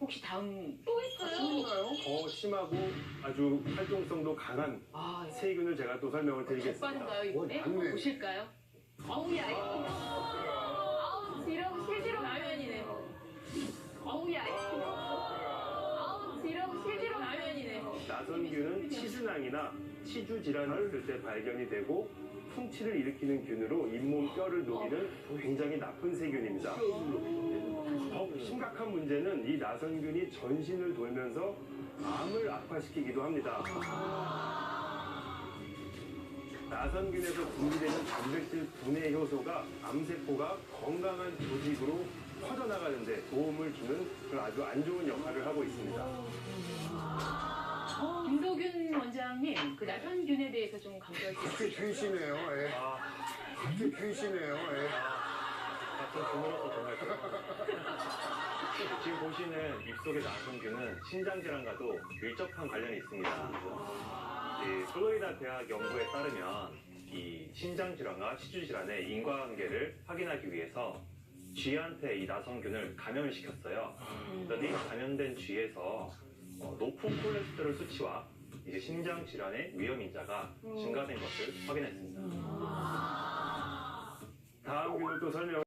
혹시 다음 또 있어요? 더 심하고 아주 활동성도 강한 세균을 제가 또 설명을 드리겠습니다. 빠른가요 이번에? 맞네. 보실까요? 어우야 아우 지렁 실지렁 라면이네. 어우야 아우 지렁 실지렁 라면이네. 나선균은 치순항이나 치주 질환을 했을 때 발견이 되고 풍치를 일으키는 균으로 잇몸 뼈를 녹이는 굉장히 나쁜 세균입니다. 더 심각한 문제는 이 나선균이 전신을 돌면서 암을 악화시키기도 합니다. 나선균에서 분비되는 단백질 분해 효소가 암세포가 건강한 조직으로 퍼져나가는데 도움을 주는 그런 아주 안 좋은 역할을 하고 있습니다. 김도균 원장님, 그 나선균에 대해서 좀 강조할 수 갑자기 있을까요? 펜시네요. 예. 갑자기 펜시네요. 예. 같은 분으로서 정말 지금 보시는 입속의 나선균은 신장질환과도 밀접한 관련이 있습니다. 이 플로리다 대학 연구에 따르면 이 신장질환과 치주질환의 인과관계를 확인하기 위해서 쥐한테 이 나선균을 감염을 시켰어요. 그랬더니 감염된 쥐에서 높은 콜레스테롤 수치와 이제 신장 질환의 위험 인자가 증가된 것을 확인했습니다. 다음 균을 또 설명.